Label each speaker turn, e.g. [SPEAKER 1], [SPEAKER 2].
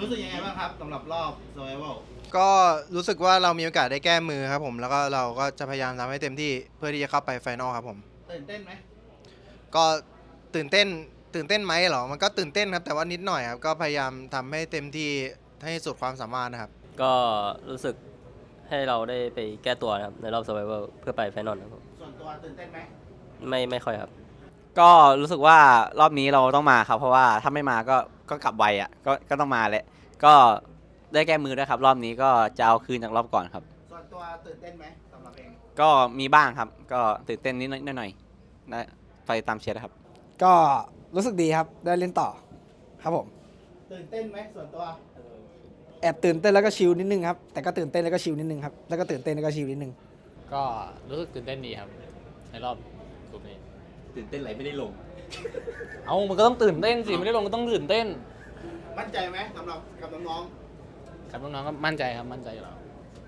[SPEAKER 1] รู้สึกยังไงบ้างครับสำหรับรอบ Survival
[SPEAKER 2] ก็รู้สึกว่าเรามีโอกาสได้แก้มือครับผมแล้วก็เราก็จะพยายามทำให้เต็มที่เพื่อที่จะเข้าไปไฟนอลครับผม
[SPEAKER 1] ตื่นเต้นไหม
[SPEAKER 2] ก็ตื่นเต้นตื่นเต้นไหมเหรอมันก็ตื่นเต้นครับแต่ว่านิดหน่อยครับก็พยายามทำให้เต็มที่ให้สุดความสามารถนะครับ
[SPEAKER 3] ก็รู้สึกให้เราได้ไปแก้ตัวนะครับในรอบ Survival เพื่อไปไฟนอลครับ
[SPEAKER 1] ส่วนตัวตื่นเต้นไหม
[SPEAKER 3] ไม่ค่อยครับ
[SPEAKER 4] ก็รู้สึกว่ารอบนี้เราต้องมาครับเพราะว่าถ้าไม่มาก็กลับไวอ่ะก็ต้องมาแหละก็ได้แก้มือด้วยครับรอบนี้ก็จะเอาคืนจากรอบก่อนครับ
[SPEAKER 1] ส่วนตัวตื่นเต้นไหมสำหรับเอง
[SPEAKER 4] ก็มีบ้างครับก็ตื่นเต้นนิดหน่อยนะไปตามเชียร์นะครับ
[SPEAKER 5] ก็รู้สึกดีครับได้เล่นต่อครับผม
[SPEAKER 1] ตื่นเต้นไหมส่วนตัว
[SPEAKER 5] แอบตื่นเต้นแล้วก็ชิลนิดนึงครับแต่ก็ตื่นเต้นแล้วก็ชิลนิดนึงครับแล้วก็ตื่นเต้นแล้วก็ชิลนิดนึง
[SPEAKER 6] ก็รู้สึกตื่นเต้นดีครับในรอบกลุ่มนี้
[SPEAKER 4] ตื่นเต้นไหลไม่ได้ลง
[SPEAKER 6] เอามันก็ต้องตื่นเต้นสิไม่ได้ลงก็ต้องตื่นเต้น
[SPEAKER 1] มั่นใจไหมสำหรับกับน้อง
[SPEAKER 6] กับน้องๆก็มั่นใจครับมั่นใจอยู่แล้ว